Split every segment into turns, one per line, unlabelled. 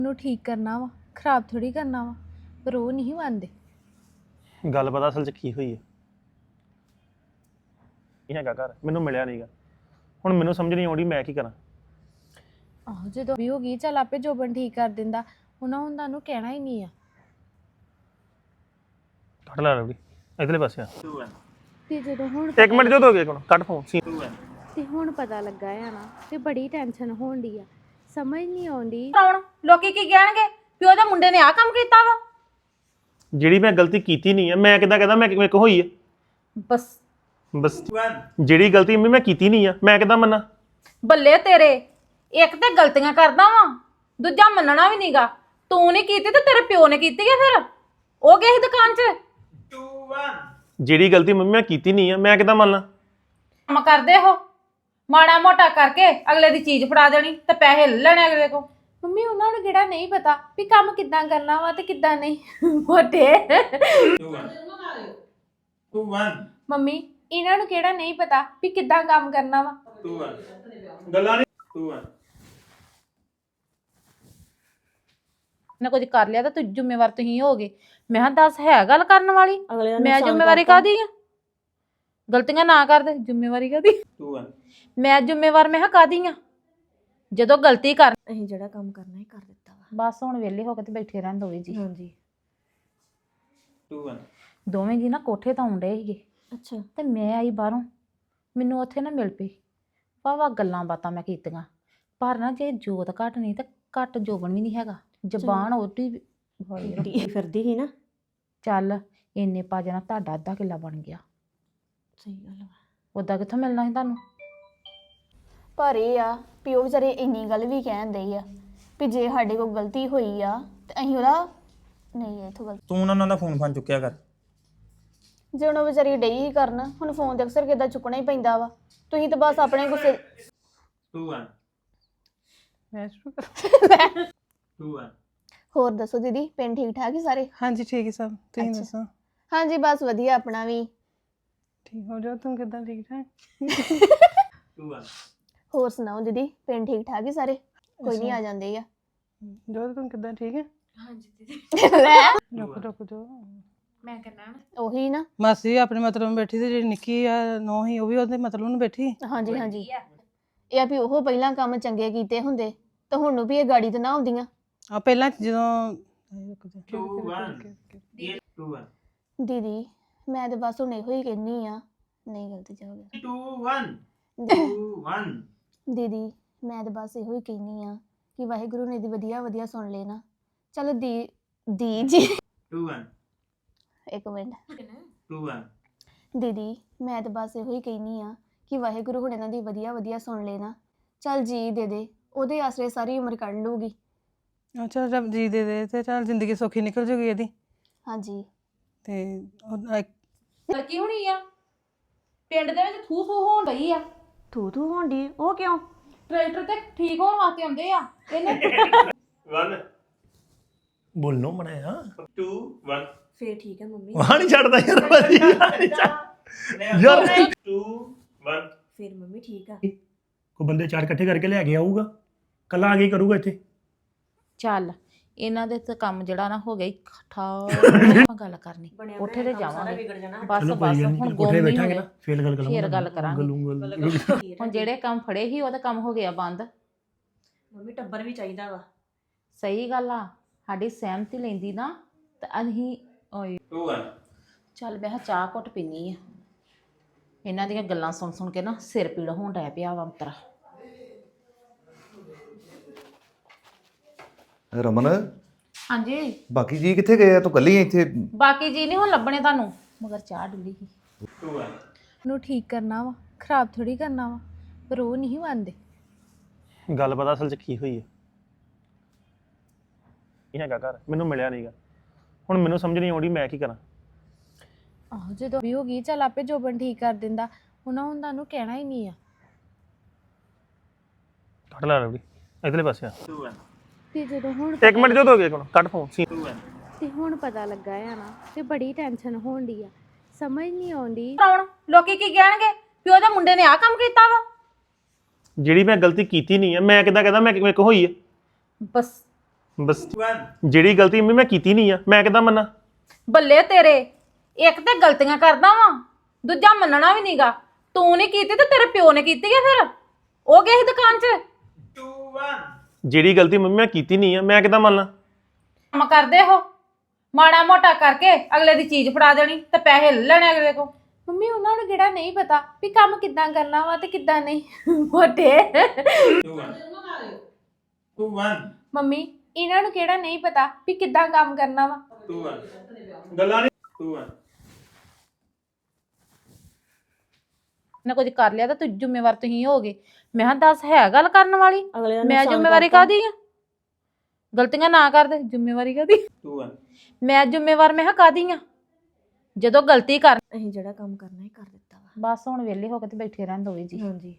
ਨੂੰ ਠੀਕ ਕਰਨਾ ਵਾ, ਖਰਾਬ ਥੋੜੀ ਕਰਨਾ ਵਾ, ਪਰ ਉਹ ਨਹੀਂ ਮੰਨਦੇ।
ਗੱਲ ਪਤਾ ਅਸਲ 'ਚ ਕੀ ਹੋਈ ਹੈ। ਇਹ ਹੈਗਾ ਘਰ ਮੈਨੂੰ ਮਿਲਿਆ ਨਹੀਂਗਾ। ਹੁਣ ਮੈਨੂੰ ਸਮਝ ਨਹੀਂ ਆਉਂਦੀ ਮੈਂ ਕੀ ਕਰਾਂ।
ਆਹੋ ਜਦੋਂ ਵੀ ਹੋ ਗਈ ਚੱਲ ਆਪੇ ਜੋਬਨ ਠੀਕ ਕਰ ਦਿੰਦਾ, ਉਹਨਾਂ ਨੂੰ ਕਹਿਣਾ ਹੀ ਨਹੀਂ ਆ।
ਕੱਟ ਲੈ ਰਵੀ ਇਧਰਲੇ ਪਾਸੇ ਆ।
ਤੇ ਜਦੋਂ ਹੁਣ
ਇੱਕ ਮਿੰਟ ਜਦੋਂ ਹੋ ਗਿਆ ਕੋਣ ਕੱਟ ਫੋਨ ਸੀ।
ਤੇ ਹੁਣ ਪਤਾ ਲੱਗਾ ਆ ਨਾ ਤੇ ਬੜੀ ਟੈਨਸ਼ਨ ਹੋਣ ਦੀ ਆ, ਸਮਝ ਨਹੀਂ ਆਉਂਦੀ।
ਕੌਣ ਲੋਕੀ ਕੀ ਕਹਿਣਗੇ ਵੀ ਉਹਦੇ ਮੁੰਡੇ ਨੇ ਆਹ ਕੰਮ ਕੀਤਾ ਵਾ।
ਜਿਹੜੀ ਮੈਂ ਗਲਤੀ ਕੀਤੀ ਨਹੀਂ ਆ ਮੈਂ ਕਿੱਦਾਂ ਕਹਦਾ ਮੈਂ ਮੇਰੇ ਕੋ ਹੋਈ ਹੈ। ਬਸ ਜਿਹੜੀ ਗਲਤੀ ਮੈਂ ਕੀਤੀ ਨਹੀਂ ਆ ਮੈਂ ਕਿੱਦਾਂ ਮੰਨਾਂ।
ਬੱਲੇ ਤੇਰੇ, ਇੱਕ ਤੇ ਗਲਤੀਆਂ ਕਰਦਾ ਵਾ, ਦੂਜਾ ਮੰਨਣਾ ਵੀ ਨਹੀਂਗਾ। ਤੂੰ ਨਹੀਂ ਕੀਤੀ ਤੇ ਤੇਰੇ ਪਿਓ ਨੇ ਕੀਤੀ ਆ। ਫਿਰ ਉਹ ਗਏ ਸੀ ਦੁਕਾਨ 'ਚ।
ਜਿਹੜੀ ਗਲਤੀ ਮੰਮੀ ਮੈਂ ਕੀਤੀ ਨਹੀਂ ਆ ਮੈਂ ਕਿੱਦਾਂ ਮੰਨਾਂ।
ਕੰਮ ਕਰਦੇ ਹੋ ਮਾੜਾ ਮੋਟਾ ਕਰਕੇ ਅਗਲੇ ਦੀ ਚੀਜ਼ ਫੜਾ ਦੇਣੀ ਤੇ ਪੈਸੇ ਲੈ ਲੈਣੇ ਅਗਲੇ ਕੋ।
ਮੰਮੀ ਉਹਨਾਂ ਨੂੰ ਕਿਹੜਾ ਨਹੀਂ ਪਤਾ ਵੀ ਕੰਮ ਕਿੱਦਾਂ ਕਰਨਾ ਵਾ ਤੇ ਕਿੱਦਾਂ ਨਹੀਂ। ਮੋਟੇ ਮੰਮੀ ਇਹਨਾਂ ਨੂੰ ਕਿਹੜਾ ਨਹੀਂ ਪਤਾ ਵੀ ਕਿੱਦਾਂ ਕੰਮ ਕਰਨਾ ਵਾ।
ਗੱਲਾਂ ਨਹੀਂ
ਨਾ ਕੁਝ ਕਰ ਲਿਆ ਤਾਂ ਤੂੰ ਜ਼ਿੰਮੇਵਾਰ ਤੁਸੀਂ ਹੋਗੇ। ਮੈਂ ਕਿਹਾ ਦੱਸ ਹੈ ਗੱਲ ਕਰਨ ਵਾਲੀ, ਮੈਂ ਜ਼ਿੰਮੇਵਾਰੀ ਕਾਹਦੀ ਆ। ਗਲਤੀਆਂ ਨਾ ਕਰਦੇ ਜ਼ਿੰਮੇਵਾਰੀ ਕਾਹਦੀ। ਮੈਂ ਜ਼ਿੰਮੇਵਾਰ ਮੈਂ ਕਿਹਾ ਕਾਹਦੀ ਆ ਜਦੋਂ ਗਲਤੀ ਕਰ।
ਅਸੀਂ ਜਿਹੜਾ ਕੰਮ ਕਰਨਾ ਹੀ ਕਰ ਦਿੱਤਾ ਵਾ।
ਬਸ ਹੁਣ ਵਿਹਲੇ ਹੋ ਕੇ ਤੇ ਬੈਠੇ ਰਹਿਣ ਦੋਵੇਂ ਜੀ।
ਹਾਂਜੀ
ਦੋਵੇਂ ਜੀ ਨਾ ਕੋਠੇ ਤਾਂ ਆਉਂਦੇ ਸੀਗੇ
ਅੱਛਾ
ਤੇ ਮੈਂ ਆਈ ਬਾਹਰੋਂ। ਮੈਨੂੰ ਉੱਥੇ ਨਾ ਮਿਲ ਪਈ, ਵਾਹਵਾ ਗੱਲਾਂ ਬਾਤਾਂ ਮੈਂ ਕੀਤੀਆਂ। ਪਰ ਨਾ ਜੇ ਜੋਤ ਘੱਟ ਨਹੀਂ ਤਾਂ ਘੱਟ ਜੋਬਨ ਵੀ ਨਹੀਂ ਹੈਗਾ। ਜ਼ਬਾਨ ਉਹਦੀ
ਫਿਰਦੀ ਸੀ ਨਾ।
ਚੱਲ ਇੰਨੇ ਪਾ ਜਾਣਾ ਤੁਹਾਡਾ ਅੱਧਾ ਕਿੱਲਾ ਬਣ ਗਿਆ।
ਸਹੀ ਗੱਲ ਵਾ।
ਉਦਾਂ ਕਿੱਥੋਂ ਮਿਲਣਾ ਸੀ ਤੁਹਾਨੂੰ।
ਪਰ ਇਹ ਆ ਵੀ ਉਹ ਵਿਚਾਰੇ ਇੰਨੀ ਗੱਲ ਵੀ ਕਹਿੰਦੇ ਆ ਵੀ ਜੇ ਸਾਡੇ ਕੋਲ ਗਲਤੀ ਹੋਈ ਆ ਤੇ ਅਸੀਂ ਉਹਦਾ ਨਹੀਂ ਇਥੋਂ ਗਲਤੀ।
ਤੂੰ ਉਹਨਾਂ ਦਾ ਫੋਨ ਚੁੱਕਿਆ ਕਰ।
ਜੇ ਹੁਣ ਉਹ ਵਿਚਾਰੀ ਡਈ ਹੀ ਕਰਨ, ਹੁਣ ਫੋਨ ਤੇ ਅਕਸਰ ਕਿੱਦਾਂ ਚੁੱਕਣਾ ਹੀ ਪੈਂਦਾ ਵਾ। ਤੁਸੀਂ ਤਾਂ ਬਸ ਆਪਣੇ ਗੁੱਸੇ।
2 1
ਹੋਰ ਦੱਸੋ ਦੀਦੀ, ਪਿੰਡ ਠੀਕ ਠਾਕ ਹੀ ਸਾਰੇ?
ਹਾਂਜੀ ਠੀਕ ਹੈ ਸਭ, ਤੁਸੀਂ ਦੱਸੋ?
ਹਾਂਜੀ ਬਸ ਵਧੀਆ, ਆਪਣਾ ਵੀ
ਠੀਕ ਹੋ ਜਾਓ। ਤੁਮ ਕਿੱਦਾਂ ਠੀਕ ਠਾਕ?
2 1
ਹੋਰ ਸੁਣਾਓ ਦੀਦੀ, ਪਿੰਡ ਠੀਕ ਠਾਕ ਹੀ ਸਾਰੇ? ਕੋਈ ਨਹੀਂ ਆ ਜਾਂਦੇ ਆ।
ਜੋ ਤੁਮ ਕਿੱਦਾਂ ਠੀਕ ਹੈ?
ਹਾਂਜੀ ਦੀਦੀ
ਰੁਕ ਜੋ
ਮੈਂ ਕਰਨਾ
ਉਹੀ ਨਾ
ਮਾਸੀ ਆਪਣੇ ਮਤਲਬ ਨੂੰ ਬੈਠੀ ਤੇ ਜਿਹੜੀ ਨਿੱਕੀ ਆ ਨੋ ਹੀ ਉਹ ਵੀ ਉਹਦੇ ਮਤਲਬ ਨੂੰ ਬੈਠੀ।
ਹਾਂਜੀ ਹਾਂਜੀ ਇਹ ਆ ਵੀ ਉਹ ਪਹਿਲਾਂ ਕੰਮ ਚੰਗੇ ਕੀਤੇ ਹੁੰਦੇ ਤਾਂ ਹੁਣ ਨੂੰ ਵੀ ਇਹ ਗਾੜੀ ਤੇ ਨਾ ਆਉਂਦੀਆਂ।
ਆ ਪਹਿਲਾਂ ਜਦੋਂ
2 1
ਦੀਦੀ ਮੈਂ ਤੇ ਬਸ ਹੁਣ ਇਹੋ ਹੀ ਕਹਿੰਨੀ ਆ। ਨਹੀਂ ਗਲਤੀ ਜਾ ਹੋ ਗਿਆ।
2 1 2 1
ਦੀਦੀ ਮੈਂ ਤਾਂ ਬਸ ਇਹੋ ਹੀ ਕਹਿੰਨੀ ਆ ਕਿ ਵਾਹਿਗੁਰੂ ਨੇ ਦੀ ਵਧੀਆ ਵਧੀਆ ਸੁਣ ਲੈਣਾ। ਚਲੋ ਦੀ ਜੀ
2 1
ਇੱਕ ਮਿੰਟ
2 1
ਦੀਦੀ ਮੈਂ ਤਾਂ ਬਸ ਇਹੋ ਹੀ ਕਹਿੰਨੀ ਆ ਕਿ ਵਾਹਿਗੁਰੂ ਹੁਣ ਇਹਨਾਂ ਦੀ ਵਧੀਆ ਵਧੀਆ ਸੁਣ ਲੈਣਾ। ਚੱਲ ਜੀ ਦੇ ਦੇ, ਉਹਦੇ ਆਸਰੇ ਸਾਰੀ ਉਮਰ ਕੱਢ ਲੂਗੀ।
ਅੱਛਾ ਰੱਬ ਜੀ ਦੇ ਦੇ ਤੇ ਚੱਲ ਜ਼ਿੰਦਗੀ ਸੌਖੀ ਨਿਕਲ ਜੂਗੀ ਇਹਦੀ।
ਹਾਂਜੀ
ਤੇ
ਲੜਕੀ ਹੋਣੀ ਆ ਪਿੰਡ ਦੇ ਵਿੱਚ ਥੂ ਥੂ ਹੋਣ ਡਈ ਆ।
ਥੂ ਹੋਣ ਦੀ ਉਹ ਕਿਉਂ?
ਟਰੈਕਟਰ ਤੇ ਠੀਕ ਹੋਣ ਵਾਸਤੇ ਆਉਂਦੇ ਆ ਇਹਨੇ।
1 ਬੋਲਨੋ ਮਣਿਆ 2 1
ਫੇਰ ਠੀਕ ਹੈ ਮੰਮੀ।
ਵਾਹ ਨਹੀਂ ਛੱਡਦਾ ਯਾਰ ਭਾਜੀ ਯਾਰ 2 1
ਫੇਰ ਮੰਮੀ ਠੀਕ ਆ।
ਕੋਈ ਬੰਦੇ ਚਾਰ ਇਕੱਠੇ ਕਰਕੇ ਲੈ ਕੇ ਆਊਗਾ, ਕੱਲਾ ਆ ਕੇ ਕਰੂਗਾ ਇੱਥੇ।
ਚੱਲ ਇਹਨਾਂ ਦੇ ਤੇ ਕੰਮ ਜਿਹੜਾ ਨਾ ਹੋ ਗਿਆ ਠਾ ਆਪਾਂ ਗੱਲ ਕਰਨੀ ਕੋਠੇ ਤੇ ਜਾਵਾਂਗੇ। ਬਸ
ਚਲੋ
ਬਸ
ਕੋਈ ਗੱਲ
ਹੁਣ
ਨਹੀਂ,
ਗੁੰਮ
ਕੋਠੇ
ਨਹੀਂ
ਬੈਠਾਂਗੇ
ਹੋਏ।
ਨਾ ਫੇਰ ਗੱਲ ਕਰਾਂਗੇ।
ਫੇਰ ਗੱਲ ਕਰਾਂਗੇ। ਹੁਣ ਜਿਹੜੇ ਕੰਮ ਫੜੇ ਸੀ ਉਹਦਾ ਕੰਮ ਹੋ ਗਿਆ ਬੰਦ।
ਮੰਮੀ ਟੱਬਰ ਵੀ ਚਾਹੀਦਾ ਵਾ।
ਸਹੀ ਗੱਲ ਆ, ਸਾਡੀ ਸਹਿਮਤੀ ਲੈਂਦੀ ਨਾ ਤਾਂ ਅਸੀਂ ਓਏ
2 1
ਚੱਲ ਮੈਂ ਕਿਹਾ ਚਾਹ ਘੁੱਟ ਪੀਨੀ ਆ। ਇਹਨਾਂ ਦੀਆਂ ਗੱਲਾਂ ਸੁਣ ਸੁਣ ਕੇ ਨਾ ਸਿਰ ਪੀੜ ਹੋਣ ਡਿਆ ਪਿਆ ਵਾ ਅੰਤਰਾ।
ਰਮਨ
ਹਾਂਜੀ
ਬਾਕੀ ਜੀ ਕਿੱਥੇ ਗਏ ਆ? ਤੂੰ ਕੱਲੀ ਆ ਇੱਥੇ?
ਬਾਕੀ ਜੀ ਨਹੀਂ ਹੁਣ ਲੱਭਣੇ ਤੁਹਾਨੂੰ, ਮਗਰ ਚਾਹ ਡੁੱਲੀ ਸੀ।
2 1
ਨੂੰ ਠੀਕ ਕਰਨਾ ਵਾ, ਖਰਾਬ ਥੋੜੀ ਕਰਨਾ ਵਾ, ਪਰ ਉਹ ਨਹੀਂ ਮੰਨਦੇ।
ਗੱਲ ਪਤਾ ਅਸਲ 'ਚ ਕੀ ਹੋਈ ਹੈ। ਇਹ ਹੈਗਾ ਘਰ ਮੈਨੂੰ ਮਿਲਿਆ ਨਹੀਂਗਾ। ਹੁਣ ਮੈਨੂੰ ਸਮਝ ਨਹੀਂ ਆਉਂਦੀ ਮੈਂ ਕੀ ਕਰਾਂ।
ਆਹੋ ਜਦੋਂ ਵੀ ਹੋ ਗਈ ਚੱਲ ਆਪੇ ਜੋਬਨ ਠੀਕ ਕਰ ਦਿੰਦਾ, ਉਹਨਾਂ ਨੂੰ ਕਹਿਣਾ ਹੀ ਨਹੀਂ ਆ।
ਕੱਟ ਲੈ ਰਵੀ ਇਧਰਲੇ ਪਾਸੇ ਆ।
2 1
ਤੇ ਜਦੋਂ ਹੁਣ
ਇੱਕ ਮਿੰਟ ਜਦੋਂ ਹੋ ਗਿਆ ਕੋਣ ਕੱਟ ਫੋਨ ਸੀ।
2 1
ਤੇ ਹੁਣ ਪਤਾ ਲੱਗਾ ਆ ਨਾ ਤੇ ਬੜੀ ਟੈਨਸ਼ਨ ਹੋਣ ਦੀ ਆ, ਸਮਝ ਨਹੀਂ ਆਉਂਦੀ।
ਕੌਣ ਲੋਕੀ ਕੀ ਕਹਿਣਗੇ ਵੀ ਉਹਦੇ ਮੁੰਡੇ ਨੇ ਆਹ ਕੰਮ ਕੀਤਾ ਵਾ।
ਜਿਹੜੀ ਮੈਂ ਗਲਤੀ ਕੀਤੀ ਨਹੀਂ ਆ ਮੈਂ ਕਿੱਦਾਂ ਕਹਦਾ ਮੈਂ ਮੇਰੇ ਕੋ ਹੋਈ ਹੈ।
ਬਸ
ਬਸ
2 1
ਜਿਹੜੀ ਗਲਤੀ ਮੰਮੀ ਮੈਂ ਕੀਤੀ ਨਹੀਂ ਆ ਮੈਂ ਕਿੱਦਾਂ ਮੰਨਾਂ
ਬੱਲੇ ਤੇਰੇ ਇੱਕ ਤੇ ਗਲਤੀਆਂ ਕਰਦਾ ਵਾਂ ਦੂਜਾ ਮੰਨਣਾ ਵੀ ਨਹੀਂਗਾ ਤੂੰ ਨਹੀਂ ਕੀਤੀ ਤੇ ਤੇਰੇ ਪਿਓ ਨੇ ਕੀਤੀ ਆ ਫਿਰ ਉਹ ਗਏ ਸੀ ਦੁਕਾਨ 'ਚ
2 1
ਜਿਹੜੀ ਗਲਤੀ ਮੰਮੀ ਮੈਂ ਕੀਤੀ ਨਹੀਂ ਆ ਮੈਂ ਕਿੱਦਾਂ ਮੰਨਾਂ
ਕੰਮ ਕਰਦੇ ਹੋ ਮਾੜਾ ਮੋਟਾ ਕਰਕੇ ਅਗਲੇ ਦੀ ਚੀਜ਼ ਫੜਾ ਦੇਣੀ ਤੇ ਪੈਸੇ ਲੈ ਲੈਣੇ ਅਗਲੇ ਕੋ
ਮੰਮੀ ਉਹਨਾਂ ਨੂੰ ਕਿਹੜਾ ਨਹੀਂ ਪਤਾ ਵੀ ਕੰਮ ਕਿੱਦਾਂ ਕਰਨਾ ਵਾ ਤੇ ਕਿੱਦਾਂ ਨਹੀਂ ਮੋਟੇ
2 1 2 1
ਮੰਮੀ ਇਹਨਾਂ ਨੂੰ ਕਿਹੜਾ ਨਹੀਂ ਪਤਾ ਵੀ ਕਿੱਦਾਂ ਕੰਮ ਕਰਨਾ ਵਾ
2 1 ਗੱਲਾਂ ਨਹੀਂ 2 1
ਨੇ ਕੁਝ ਕਰ ਲਿਆ ਤਾਂ ਤੂੰ ਜ਼ਿੰਮੇਵਾਰ ਤੁਸੀਂ ਹੋਗੇ ਮੈਂ ਕਿਹਾ ਦੱਸ ਹੈ ਗੱਲ ਕਰਨ ਵਾਲੀ
ਅਗਲੇ ਦਾ
ਮੈਂ
ਨੁਕਸਾਨ
ਜ਼ਿੰਮੇਵਾਰੀ
ਕਰਤਾ।
ਕਾਦੀ ਆ ਗਲਤੀਆਂ ਨਾ ਕਰਦੇ ਜ਼ਿੰਮੇਵਾਰੀ ਕਾਦੀ
2 1
ਮੈਂ ਜ਼ਿੰਮੇਵਾਰ ਮੈਂ ਕਿਹਾ ਕਾਦੀ ਆ ਜਦੋਂ ਗਲਤੀ ਕਰ
ਅਸੀਂ ਜਿਹੜਾ ਕੰਮ ਕਰਨਾ ਹੀ ਕਰ ਦਿੱਤਾ ਵਾ
ਬਸ ਹੁਣ ਵਿਹਲੇ ਹੋ ਕੇ ਤੇ ਬੈਠੇ ਰਹਿਣ ਦੋਵੇਂ ਜੀ
ਹਾਂਜੀ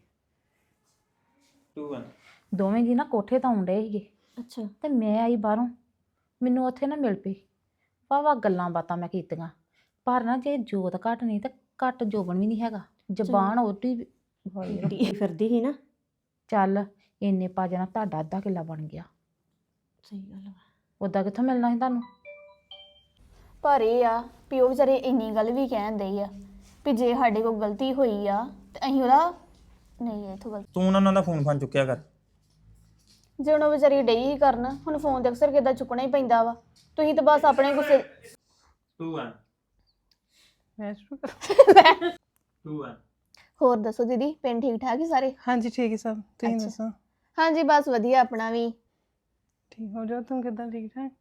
2 1
ਦੋਵੇਂ ਜੀ ਨਾ ਕੋਠੇ ਤੋਂ ਆਉਂਦੇ ਸੀਗੇ
ਅੱਛਾ
ਤੇ ਮੈਂ ਆਈ ਬਾਹਰੋਂ ਮੈਨੂੰ ਉੱਥੇ ਨਾ ਮਿਲ ਪਈ ਵਾਵਾ ਗੱਲਾਂ ਬਾਤਾਂ ਮੈਂ ਕੀਤੀਆਂ ਪਰ ਨਾ ਜੇ ਜੋਤ ਘੱਟ ਨਹੀਂ ਤਾਂ ਘੱਟ ਜੋਬਨ ਵੀ ਨਹੀਂ ਹੈਗਾ ਜ਼ਬਾਨ ਉਹਦੀ
ਡੀ ਫਿਰਦੀ ਸੀ ਨਾ
ਚੱਲ ਇੰਨੇ ਪਾ ਜਾਣਾ ਤੁਹਾਡਾ ਅੱਧਾ ਕਿੱਲਾ ਬਣ ਗਿਆ
ਸਹੀ ਗੱਲ ਵਾ
ਉਦਾਂ ਕਿੱਥੋਂ ਮਿਲਣਾ ਸੀ ਤੁਹਾਨੂੰ
ਪਰ ਇਹ ਆ ਵੀ ਉਹ ਵਿਚਾਰੇ ਇੰਨੀ ਗੱਲ ਵੀ ਕਹਿੰਦੇ ਆ ਵੀ ਜੇ ਸਾਡੇ ਕੋਲ ਗਲਤੀ ਹੋਈ ਆ ਤੇ ਅਸੀਂ ਉਹਦਾ ਨਹੀਂ ਇਥੋਂ ਗਲਤੀ
ਤੂੰ ਉਹਨਾਂ ਦਾ ਫੋਨ ਚੁੱਕਿਆ ਕਰ
ਜੇ ਹੁਣ ਉਹ ਵਿਚਾਰੀ ਡਈ ਹੀ ਕਰਨ ਹੁਣ ਫੋਨ ਤੇ ਅਕਸਰ ਕਿੱਦਾਂ ਚੁੱਕਣਾ ਹੀ ਪੈਂਦਾ ਵਾ ਤੁਸੀਂ ਤਾਂ ਬਸ ਆਪਣੇ ਗੁੱਸੇ
2 1
ਮੈਂ ਸ਼ੁਰੂ ਕਰਾਂ?
2 1
ਹੋਰ ਦੱਸੋ ਦੀਦੀ ਪਿੰਡ ਠੀਕ ਠਾਕ ਹੀ ਸਾਰੇ
ਹਾਂਜੀ ਠੀਕ ਹੈ ਸਭ ਤੁਸੀਂ
ਅੱਛਾ।
ਦੱਸੋ
ਹਾਂਜੀ ਬਸ ਵਧੀਆ ਆਪਣਾ ਵੀ
ਠੀਕ ਹੋ ਜਾਓ ਤੁਮ ਕਿੱਦਾਂ ਠੀਕ ਠਾਕ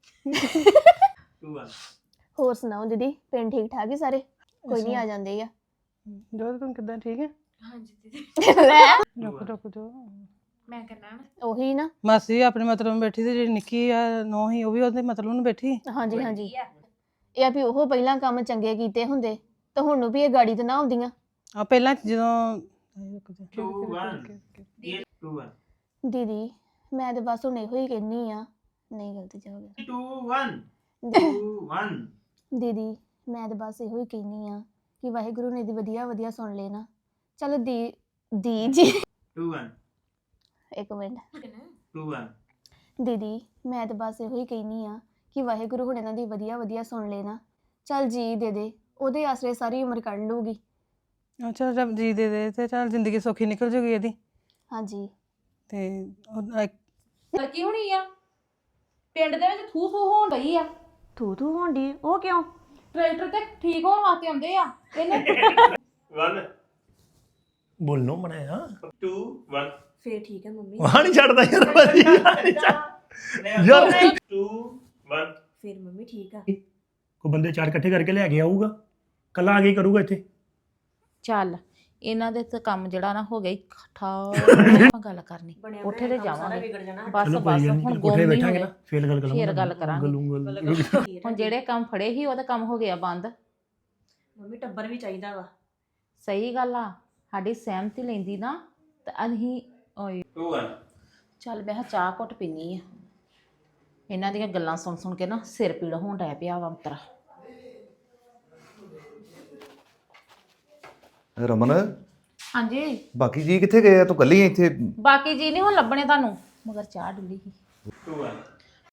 2 1
ਹੋਰ ਸੁਣਾਓ ਦੀਦੀ ਪਿੰਡ ਠੀਕ ਠਾਕ ਹੀ ਸਾਰੇ ਕੋਈ ਨਹੀਂ ਆ ਜਾਂਦੇ ਆ
ਜੋ ਤੁਮ ਕਿੱਦਾਂ ਠੀਕ ਹੈ
ਹਾਂਜੀ ਦੀਦੀ
ਰੁਕ ਜਾਓ
ਮੈਂ ਕਰਨਾ
ਉਹੀ ਨਾ
ਮਾਸੀ ਵੀ ਆਪਣੇ ਮਤਲਬ ਨੂੰ ਬੈਠੀ ਤੇ ਜਿਹੜੀ ਨਿੱਕੀ ਆ ਨੋ ਹੀ ਉਹ ਵੀ ਉਹਦੇ ਮਤਲਬ ਨੂੰ ਬੈਠੀ
ਹਾਂਜੀ ਹਾਂਜੀ ਇਹ ਆ ਵੀ ਉਹ ਪਹਿਲਾਂ ਕੰਮ ਚੰਗੇ ਕੀਤੇ ਹੁੰਦੇ ਤਾਂ ਹੁਣ ਨੂੰ ਵੀ ਇਹ ਗਾੜੀ ਤੇ ਨਾ ਆਉਂਦੀਆਂ
ਆ ਪਹਿਲਾਂ ਜਦੋਂ ਰੁਕ ਜਾ
2 1 2 1
ਦੀਦੀ ਮੈਂ ਤੇ ਬਸ ਹੁਣ ਇਹੋ ਹੀ ਕਹਿੰਨੀ ਆ ਨਹੀਂ ਗਲਤੀ ਚ ਹੋ ਗਿਆ
2 1 2 1
ਦੀਦੀ ਮੈਂ ਤੇ ਬਸ ਇਹੋ ਹੀ ਕਹਿੰਨੀ ਆ ਕਿ ਵਾਹਿਗੁਰੂ ਨੇ ਦੀ ਵਧੀਆ ਵਧੀਆ ਸੁਣ ਲੈਣਾ ਚਲੋ ਦੀ ਜੀ
2 1
ਇੱਕ ਮਿੰਟ
2 1
ਦੀਦੀ ਮੈਂ ਤੇ ਬਸ ਇਹੋ ਹੀ ਕਹਿੰਨੀ ਆ ਕਿ ਵਾਹਿਗੁਰੂ ਹੁਣ ਇਹਨਾਂ ਦੀ ਵਧੀਆ ਵਧੀਆ ਸੁਣ ਲੈਣਾ ਚੱਲ ਜੀ ਦੇ ਉਹਦੇ ਆਸਰੇ ਸਾਰੀ ਉਮਰ ਕੱਢ ਲੂਗੀ
ਅੱਛਾ ਰੱਬ ਜੀ ਦੇ ਤੇ ਚੱਲ ਜ਼ਿੰਦਗੀ ਸੌਖੀ ਨਿਕਲ ਜੂਗੀ ਇਹਦੀ
ਹਾਂਜੀ
ਤੇ
ਕੀ ਹੋਣੀ ਆ ਪਿੰਡ ਦੇ ਵਿੱਚ ਥੂ ਥੂ ਹੋਣ ਡਈ ਆ
ਤੂੰ ਹੋਣ ਦੀ ਉਹ ਕਿਉਂ
ਟਰੈਕਟਰ ਤੇ ਠੀਕ ਹੋਣ ਵਾਸਤੇ ਆਉਂਦੇ ਆ ਇਹਨੇ
1
ਬੋਲਨੋ ਮਣਿਆ
2 1
ਫੇਰ ਠੀਕ ਹੈ ਮੰਮੀ
ਵਾਹ ਨਹੀਂ ਛੱਡਦਾ ਯਾਰ ਭਾਜੀ ਯਾਰ
2 1
ਫੇਰ ਮੰਮੀ ਠੀਕ ਆ
ਕੋਈ ਬੰਦੇ ਚਾਰ ਇਕੱਠੇ ਕਰਕੇ ਲੈ ਕੇ ਆਊਗਾ ਕੱਲਾ ਆ ਕੇ ਹੀ ਕਰੂਗਾ ਇੱਥੇ
ਚੱਲ ਇਹਨਾਂ ਦੇ ਤਾਂ ਕੰਮ ਜਿਹੜਾ ਨਾ ਹੋ ਗਿਆ ਠਾ ਗੱਲ ਕਰਨੀ
ਬਣਿਆ
ਕੋਠੇ ਤੇ
ਬਣਾਇਆ ਕੰਮ ਸਾਰਾ
ਜਾਵਾਂਗੇ
ਵਿਗੜ ਜਾਣਾ
ਬਸ
ਚਲੋ
ਬਸ
ਕੋਈ ਗੱਲ
ਹੁਣ
ਨਹੀਂ
ਗੁੰਮ
ਕੋਠੇ
ਨਹੀਂ
ਬੈਠਾਂਗੇ
ਹੋਏ
ਨਾ ਫੇਰ ਗੱਲ ਕਰਾਂਗੇ
ਫੇਰ ਗੱਲ ਕਰਾਂਗੇ।
ਗੱਲੂੰਗਾ
ਹੁਣ ਜਿਹੜੇ ਕੰਮ ਫੜੇ ਸੀ ਉਹਦਾ ਕੰਮ ਹੋ ਗਿਆ ਬੰਦ
ਮੰਮੀ ਟੱਬਰ ਵੀ ਚਾਹੀਦਾ ਵਾ
ਸਹੀ ਗੱਲ ਆ ਸਾਡੀ ਸਹਿਮਤੀ ਲੈਂਦੀ ਨਾ ਤਾਂ ਅਸੀਂ ਓਏ
2 1
ਚੱਲ ਮੈਂ ਕਿਹਾ ਚਾਹ ਘੁੱਟ ਪੀਨੀ ਆ ਇਹਨਾਂ ਦੀਆਂ ਗੱਲਾਂ ਸੁਣ ਸੁਣ ਕੇ ਨਾ ਸਿਰ ਪੀੜ ਹੋਣ ਡੈ ਪਿਆ ਵਾ ਅੰਤਰਾ
ਰਮਨ
ਹਾਂਜੀ
ਬਾਕੀ ਜੀ ਕਿੱਥੇ ਗਏ ਆ ਤੂੰ ਕੱਲੀ ਇੱਥੇ
ਬਾਕੀ ਜੀ ਨਹੀਂ ਹੁਣ ਲੱਭਣੇ ਤੁਹਾਨੂੰ ਮਗਰ ਚਾਹ ਡੁੱਲੀ ਸੀ
2 1